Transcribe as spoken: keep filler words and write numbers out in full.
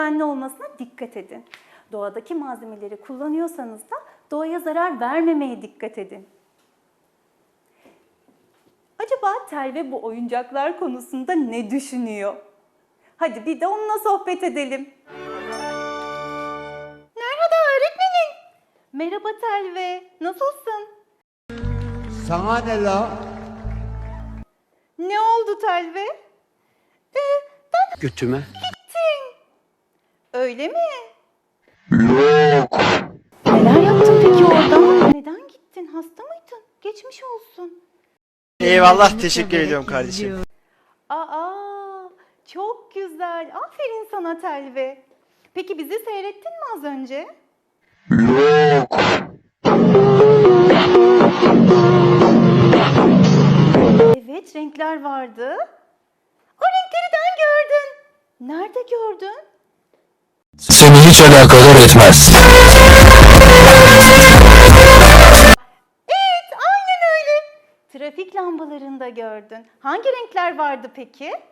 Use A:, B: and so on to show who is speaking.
A: güvenli olmasına dikkat edin. Doğadaki malzemeleri kullanıyorsanız da doğaya zarar vermemeye dikkat edin. Acaba Telve bu oyuncaklar konusunda ne düşünüyor? Hadi bir de onunla sohbet edelim. Merhaba öğretmenim. Merhaba Telve, nasılsın?
B: Sana ne la?
A: Ne oldu Telve? Ee, ben
C: Götüme.
A: gittim. Öyle mi? Yok. Neler yaptın peki orada? Neden gittin? Hasta mıydın? Geçmiş olsun.
C: Eyvallah, teşekkür ediyorum kardeşim.
A: Aa, çok güzel. Aferin sana Telve. Peki bizi seyrettin mi az önce? Yok. Evet, renkler vardı. O renkleri ben gördüm. Nerede gördün?
D: Seni hiç alakadar etmez.
A: Evet, aynen öyle. Trafik lambalarında gördün. Hangi renkler vardı peki?